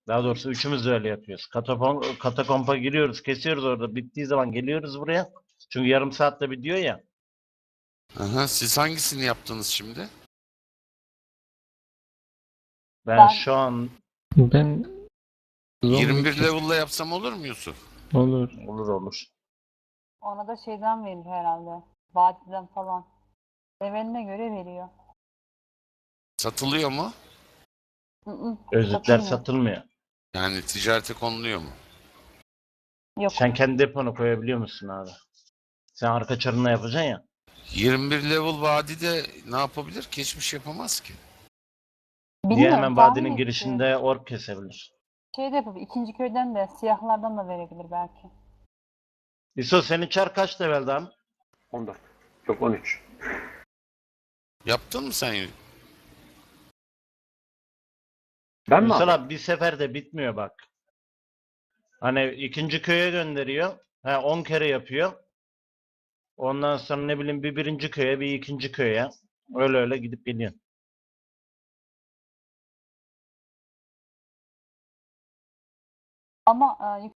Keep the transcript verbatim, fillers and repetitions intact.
Daha doğrusu üçümüz de öyle yapıyoruz. Katapon, katakompa giriyoruz, kesiyoruz orada. Bittiği zaman geliyoruz buraya. Çünkü yarım saatte bitiyor ya. Aha, siz hangisini yaptınız şimdi? Ben Ben şu an Ben yirmi bir zombi level'la yapsam olur mu Yusuf? olur. olur olur. ona da şeyden verir herhalde. Vadiden falan. Leveline göre veriyor. Satılıyor mu? Hı hı, Özetler satılmıyor. satılmıyor. Yani ticarete konuluyor mu? Yok. Sen kendi deponu koyabiliyor musun abi? Sen arka çarına yapacaksın ya. yirmi bir level vadide ne yapabilir ki? Hiçbir şey yapamaz ki. Diye Bilmiyorum, hemen tahmin vadinin ettim. girişinde ork kesebilir. Şey de yapabilir. İkinci köyden de siyahlardan da verebilir belki. İso senin çar kaç leveldi abi? on dört. Yok on üç. Yaptın mı sen? Ben mi Ünsal abi? abi bir seferde bitmiyor bak. Hani ikinci köye gönderiyor. Ha on kere yapıyor. Ondan sonra ne bileyim bir birinci köye bir ikinci köye. Öyle öyle gidip geliyor. Ama e,